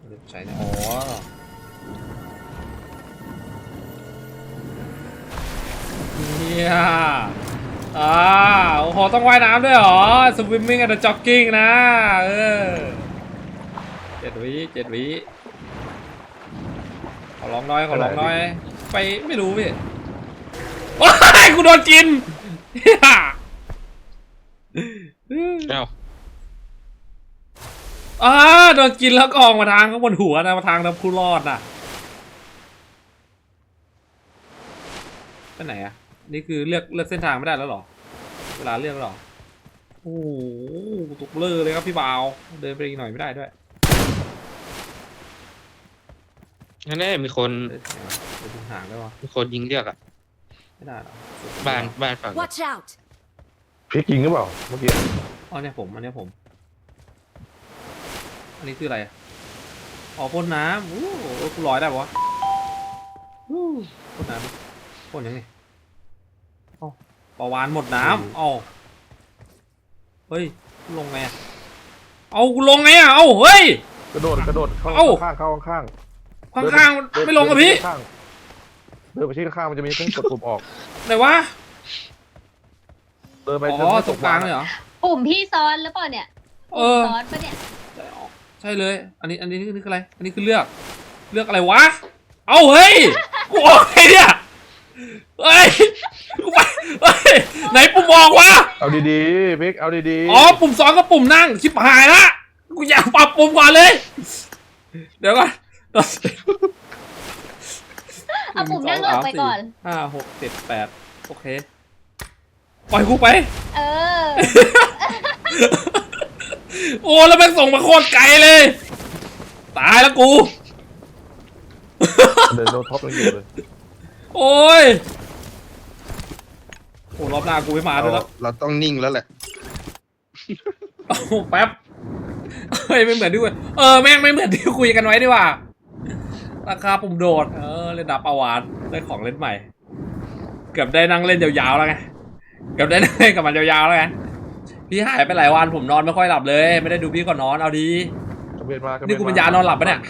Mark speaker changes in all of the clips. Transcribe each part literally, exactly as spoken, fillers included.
Speaker 1: ใช้เนี่ยอ๋อเนี่ยอ่าโอ้โหต้องว่ายน้ำด้วยเหรอ swimming and jogging นะเออเจ็ดวิเจ็ดวิขอร้องน้อยขอร้องน้อยไปไม่รู้พี่ว้ายกูโดนกิน
Speaker 2: เอ้า
Speaker 1: อ่าโดนกินแล้วก็ออกมาทางข้างบนหัวนะมาทางน้ำผู้รอดน่ะไปไหนอ่ะนี่คือเลือกเลือกเส้นทางไม่ได้แล้วหรอเวลาเลือกหรอโอ้โหตกเลอเลยครับพี่บ่าวเดินไปอีกหน่อยไม่ได้ด้วย
Speaker 2: นั่นแน่มีคน
Speaker 1: เดินถึงห่างได้วะ
Speaker 2: มีคนยิงเรียกอ่ะ
Speaker 1: ไม่ได้หรอ
Speaker 2: บ้านบ้านฝั่ง
Speaker 3: Watch out
Speaker 4: พลิกยิงหรือเปล่าเมื่อกี้
Speaker 1: อ๋อเนี่ยผมอันนี้ผมอันนี้คืออะไรอ๋อพ่นน้ำอู้กูลอยได้ปะวะอู้พ่นน้ำพ่นยังไงอ๋อปลาวานหมดน้ำอ๋อเฮ้ยลงไงอะเอากูลงไงอะเอาเฮ้ย
Speaker 4: กระโดดกระโดดเข้าข้างเข้าข้าง
Speaker 1: ข้างข้างไม่ลงอะพี่
Speaker 4: เดินไปที่ข้างมันจะมีเครื่องกดปุ่มออก
Speaker 1: ไหนวะ
Speaker 4: เดินไป
Speaker 1: อ๋อตรงกลางเลยเหรอ
Speaker 3: ปุ่มพี่ซ้อนหรือเปล่าเนี่ย
Speaker 1: เออ
Speaker 3: ซ้อนปะเนี่ย
Speaker 1: ใช่เลยอันนี้อันนี้นี่คืออะไรอันนี้คือเลือกเลือกอะไรวะเอาเฮ้ยกูออกไงเนี่ยเฮ้ยกูไปเฮ้ยไหนปุ่มออกวะ
Speaker 4: เอาดีๆพิกเอาดี
Speaker 1: ๆอ๋อปุ่มสองกับปุ่มนั่งชิบหายละกูอยากปรับปุ่มก่อนเลยเดี๋ยวก่อน
Speaker 3: เอาปุ่มนั่งออกไปก่อน
Speaker 1: ห้าหกเจ็ดแปดโอเคปล่อยกูไป
Speaker 3: เออ
Speaker 1: โอ้แล้วแม่งส่งมาโคตรไกลเลยตายแล้วกู
Speaker 4: เดินโดนท็อปยังอยู่เลย
Speaker 1: โอ้ยโอ้รอบหน้ากูไม่มาด้วยแล้ว
Speaker 2: เราต้องนิ่งแล้วแหละ
Speaker 1: โอ้แป๊บเฮ้ยไม่เหมือนที่คุยเออแม่งไม่เหมือนที่คุยกันไว้ดีกว่าราคาปุ่มโดดเออเล่นดาบปาวานได้ของเล่นใหม่เกือบได้นั่งเล่นยาวๆแล้วไงเกือบได้นั่งเล่นกับมันยาวๆแล้วไงพี่หายไปหลายวันผมนอนไม่ค่อยหลับเลยไม่ได้ดูพี่ก่อนนอนเอาดีนี่กูเป็นยานอนหลับปะเนี่ย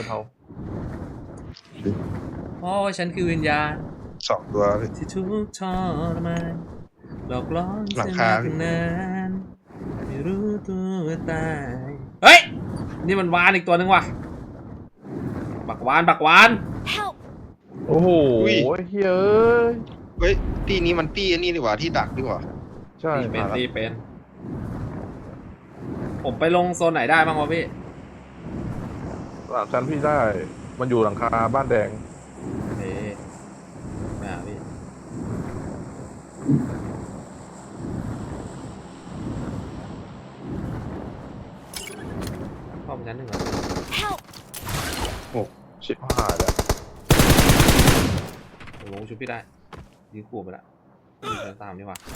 Speaker 1: โอ้ฉันคือวิญญาณ
Speaker 2: สองตัว
Speaker 1: ที่ทุกทรมานหลอกล่อ
Speaker 2: หลังคา
Speaker 1: ไม่รู้ตัวตายเฮ้ยนี่มันวานอีกตัวนึงว่ะบักวานบักวาน
Speaker 4: โอ้โหเฮ้ย
Speaker 2: เฮ้ยตีนี้มันตีอันนี้ดีกว่าที่ดักดีกว่า
Speaker 4: ใช่
Speaker 1: เป็นตีเป็นผมไปลงโซนไหนได้บ้างวะพี่
Speaker 4: หลังชั้นพี่ได้มันอยู่หลังคาบ้านแดง
Speaker 1: เอ๊ะมาพี่เข้าไปชั้นหนึ่งเหรอ
Speaker 4: โอ้ชิบหายแล้ว
Speaker 1: ผมลงชุดพี่ได้ยื้อขู่ไปละยื้อตามดีกว่า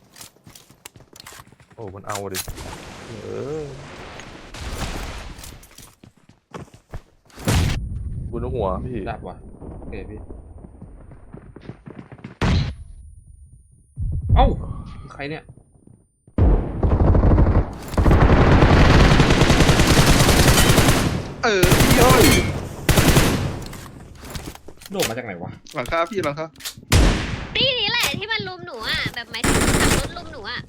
Speaker 4: โอ้มันเอาดิเออบนหัวพี่
Speaker 1: ดับว่ะโอเคพี่เอ้าใครเนี่ย
Speaker 2: เออพี่ย่อย
Speaker 1: โดดมาจากไหนวะ
Speaker 2: หลังคาพี่หลังคา
Speaker 3: ตีนี้แหละที่มันลุมหนูอ่ะแบบหมายถึงขับรถลุมหนูอ่ะ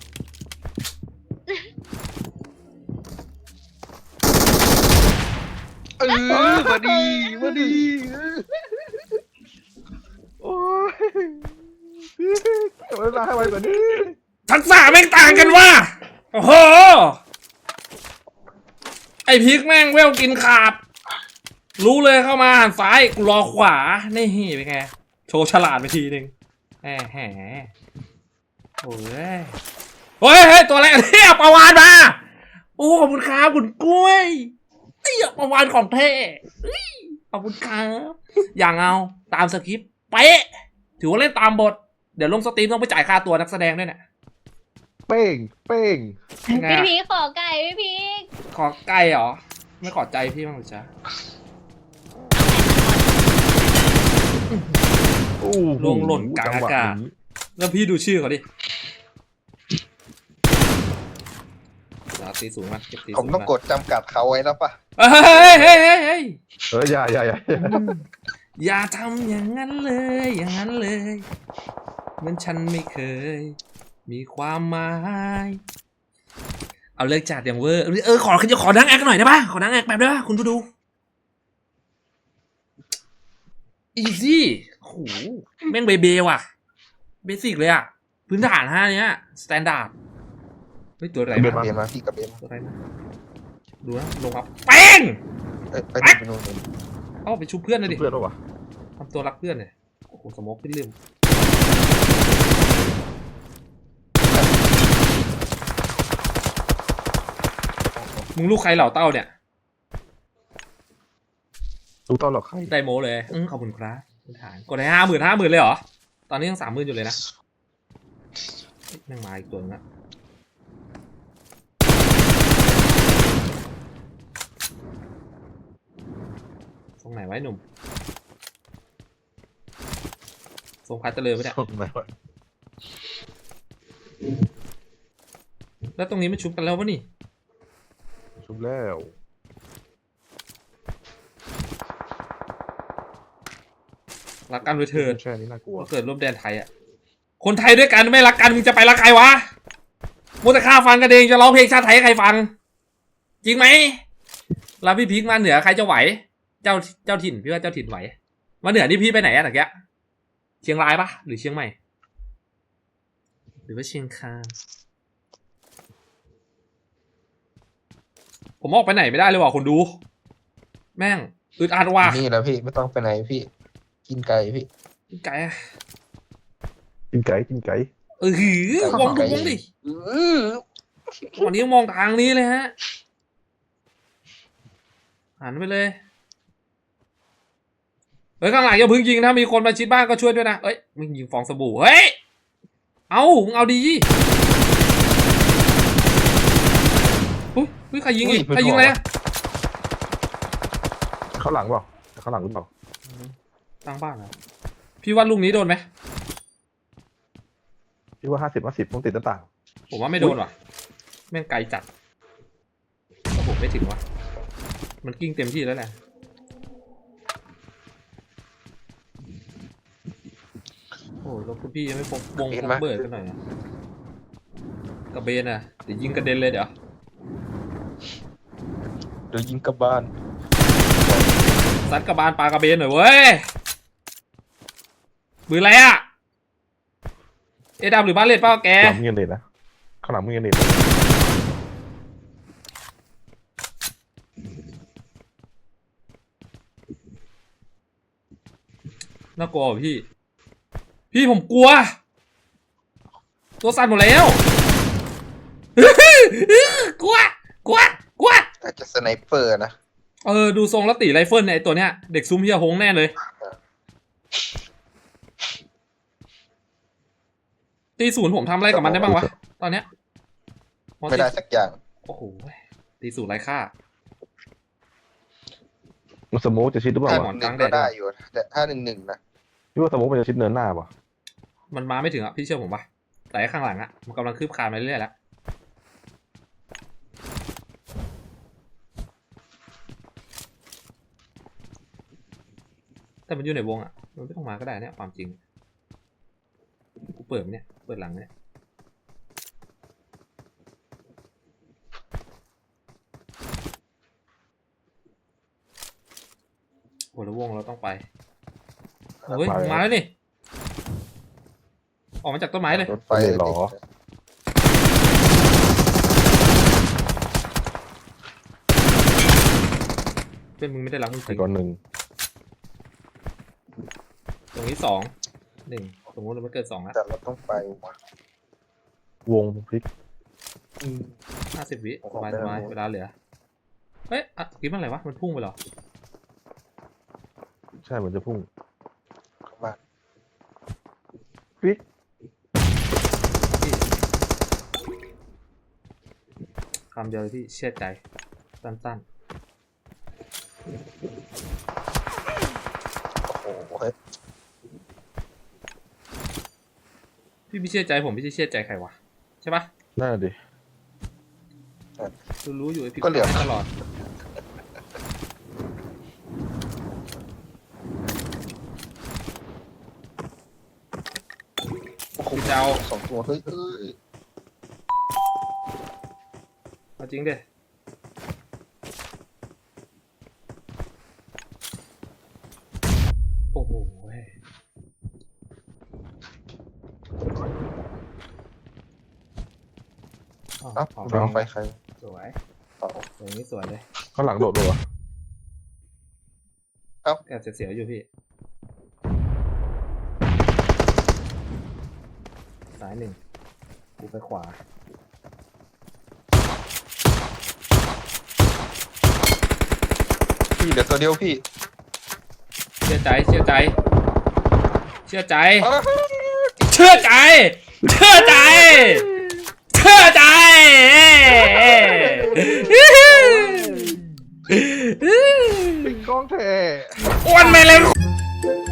Speaker 2: เออมาดีมาดี
Speaker 4: โอ้ยพี่เวลาให้ไวกว่านี้
Speaker 1: ทักษะแม่งต่างกันว่ะโอ้โหไอพีกแม่งเวลกินขาดรู้เลยเข้ามาหันซ้ายกูรอขวานี่เป็นไงโชว์ฉลาดไปทีนึงแหมแหมโอ้ยเฮ้ยเฮ้ยตัวอะไรเนี่ยปลาวานมาโอ้ขอบคุณครับคุณกล้วยเตี้ยปลาวานของเท่ขอบคุณครับอย่างเอาตามสคริปต์เป๊ะถือว่าเล่นตามบทเดี๋ยวลงสตรีมต้องไปจ่ายค่าตัวนักแสดงด้วยเนี่ย
Speaker 4: เป้งเป้ง
Speaker 3: พี่พีขอไก่พี่พี
Speaker 1: ขอไก่เหรอไม่ขอใจพี่บ้างหรือจ๊ะลงหล่นกลางอากาศแล้วพี่ดูชื่อเขาดิตีสูงมาเก็บตี
Speaker 2: ผม
Speaker 1: สูง
Speaker 2: ต้อง
Speaker 1: มาก
Speaker 2: ดจำกัดเขาไว้แล้วปะ
Speaker 1: เฮ้ยเฮ้ยเฮ้ยเฮ้ย
Speaker 4: เอออย่าอย่าอย่า
Speaker 1: อย่าทำอย่างนั้นเลย อย่างนั้นเลยเหมันฉันไม่เคย มีความหมายเอาเลิกจัดอย่างเวอร์เออขอขอนั่งแอคหน่อยได้ปะขอนั่งแอคแบบได้ปะคุณผู้ดูอีซี่โอ้โหแม่งเบเบว่ะเบสิกเลยอะพื้นฐานห้าเนี้ยสแตนดาร์ดเฮ้ยตัวอะไร
Speaker 2: กระ
Speaker 1: มา
Speaker 2: เบนมาพี่กระเบน
Speaker 1: ตัวอะไรมาดูนะลงครับแป้ง
Speaker 2: เอ้ยไปดูไปดูไปดู
Speaker 1: เอาไปชุบเพื่อนเลยดิ
Speaker 4: เพื่อนปะวะ
Speaker 1: ทำตัวรักเพื่อนเลยโอ้โหสโมกขึ้นลืมมึงลูกใครเหล่าเต้าเนี่ย
Speaker 4: รู้ต้อนหรอกใคร
Speaker 1: ได้โมเลยอืมขอบคุณครับพื้นฐานกดให้ห้าหมื่นห้าหมื่นเลยเหรอตอนนี้ยังสามหมื่นอยู่เลยนะเฮ้ยแม่งมาอีกตัวนึงละตรงไหนไว้หนุ่มทรงพัดเจริญปะเนี่ย
Speaker 4: ไหนวะ
Speaker 1: แล้วตรงนี้ไม่ชุบกันแล้ววะนี่
Speaker 4: ชุบแล้ว
Speaker 1: รักกันไปเถิด
Speaker 4: แช่นี้น่ากลัว
Speaker 1: ก็เกิดร่วมแดนไทยอ่ะคนไทยด้วยกันไม่รักกันมึงจะไปรักใครวะมัวแต่ฆ่าฟันกันเองจะร้องเพลงชาติไทยให้ใครฟัง จริงไหมแล้วพี่พีคมาเหนือใครจะไหว เจ้าเจ้าถิ่นพี่ว่าเจ้าถิ่นไหวมาเหนือนี่พี่ไปไหนอะตะเกียเชียงรายปะหรือเชียงใหม่หรือว่าเชียงคานผมออกไปไหนไม่ได้เลยว่ะคนดู แม่งอึดอัดว่ะ
Speaker 2: นี่แหละพี่ไม่ต้องไปไหนพี่ กินไก่พี่
Speaker 1: ไก่อะ
Speaker 4: กินไก่กินไก่
Speaker 1: เออหือวงดูวงดิ
Speaker 2: อื้อ
Speaker 1: วันนี้มองทางนี้เลยฮะหันไปเลยเฮ้ยข้างหลังอย่าพึ่งยิงถ้ามีคนมาชิดบ้านก็ช่วยด้วยนะเอ้ยมึงยิงฟองสบู่เฮ้ยเอามึงเอาดีอุ้ยอุ้ยใครยิงอีกใครยิงอะไรอะ
Speaker 4: ข้างหลังเปล่าข้างหลังหรือเปล่า
Speaker 1: ตั้งบ้านเหรอพี่ว่าลูกนี้โดนไหม
Speaker 4: พี่ว่าห้าสิบห้าสิบต้องติดหน้าต่าง
Speaker 1: ผมว่าไม่โดนว่ะแม่งไกลจัดแต่ผมไม่ถึงว่ะมันกิ้งเต็มที่แล้วแหละโอ้ยแล้วคุณพี่ยังไม่พกวงพกเบิร์ดกันหน่อยนะกระเบนอ่ะเดี๋ยวยิงกระเด็นเลยเดี๋ยว
Speaker 2: เดี๋ยวยิงกลับบ้าน
Speaker 1: ซัดกระบาลปลากระเบนหน่อยเว้ยมืออะไรอ่ะเอดามหรือบ้านเล็ดเปล่าแก
Speaker 4: ข้างหลังมึงยังเด็ดนะข้างหลังมึงยังเด็ด
Speaker 1: น่ากลัวว่ะพี่ พี่ผมกลัว ตัวสั่นหมดแล้ว กลัว กลัว กลัว
Speaker 2: น่าจะสไนเปอร์นะ
Speaker 1: เออดูทรงแล้วตีไรเฟิลเนี่ยไอตัวเนี้ยเด็กซุ้มเฮียฮงแน่เลย ตีศูนย์ผมทำอะไรกับมันได้บ้างวะ ตอนเนี้ย
Speaker 2: ไม่ได้สักอย่าง
Speaker 1: โอ้โหตีศูนย์ไรค่า
Speaker 4: มันสโมกจะชิดหรือเปล่า
Speaker 2: ถ้าห
Speaker 4: วะ
Speaker 2: นึ่งหนึ่งก็ได้อยู่แต่ถ้าหนึ่งหนึ่งนะ
Speaker 4: พี่ว่าสโมกมันจะชิดเนินหน้าป่ะ
Speaker 1: มันมาไม่ถึงอ่ะพี่เชื่อผมปะแต่ไอ้ข้างหลังอ่ะมันกำลังคืบคลานมาเรื่อยๆแล้วแต่มันอยู่ในวงอ่ะมันไม่ต้องมาก็ได้เนี่ยความจริงกูเปิดไหมเนี่ยเปิดหลังเนี่ยโหแล้ววงเราต้องไปเฮ้ยมาแล้วนี่ออกมาจากต้นไม้เลย
Speaker 2: รถไฟ
Speaker 4: เลยเหรอ
Speaker 1: เพื่อนมึงไม่ได้รักมึงจ
Speaker 4: ไอ้
Speaker 1: ริง
Speaker 4: ก่อนหนึ่ง
Speaker 1: ตรงนี้สองหนึ่งสมมติเราไม่เกิดสองแล้ว
Speaker 2: แต่เราต้องไปว่ะ
Speaker 4: วงพลิก
Speaker 2: อืม
Speaker 1: ห้าสิบวิ
Speaker 2: โอ้
Speaker 1: ส
Speaker 2: โห
Speaker 1: บาย
Speaker 2: ได้
Speaker 1: สบาย
Speaker 2: แล้ว
Speaker 1: เวลาเหลือเฮ้ยอ่ะคิดมันอะไรวะมันพุ่งไปเหรอ
Speaker 4: ใช่เหมือนจะพุ่ง
Speaker 2: เข้าบ้าน
Speaker 4: พลิก
Speaker 1: คำเดียวเลยพี่เชื่อใจสั้น
Speaker 2: โอ้โหเฮ้ย
Speaker 1: ๆพี่ไม่เชื่อใจผมพี่จะเชื่อใจใครวะใช่ปะ
Speaker 4: น่าดิ
Speaker 2: น
Speaker 1: รู้รู้อยู่ไอ้พี่
Speaker 2: ก็เหลือ
Speaker 1: ตลอดพี่เจ้า
Speaker 2: สองตัวเฮ้ยเอ้ย
Speaker 1: เอาจริงดิโอ้โหเว้ยอ๋อ
Speaker 2: เอ้า
Speaker 1: อ๋อ
Speaker 2: โดนไปใคร
Speaker 1: สวย
Speaker 2: ต่อ
Speaker 1: อย่างนี้สวยเลย
Speaker 4: ข้างหลังโดดเลยวะ
Speaker 1: แอบเสียวๆอยู่พี่ซ้ายหนึ่งกูไปขวา
Speaker 2: พี่เหลือตัวเดียวพี่
Speaker 1: เชื่อใจเชื่อใจ เชื่อใจ
Speaker 2: เอาละ
Speaker 1: เชื่อใจ เชื่อใจ เชื่อใจ
Speaker 4: ปิดกล้องแท้
Speaker 1: อ้วนไปเลย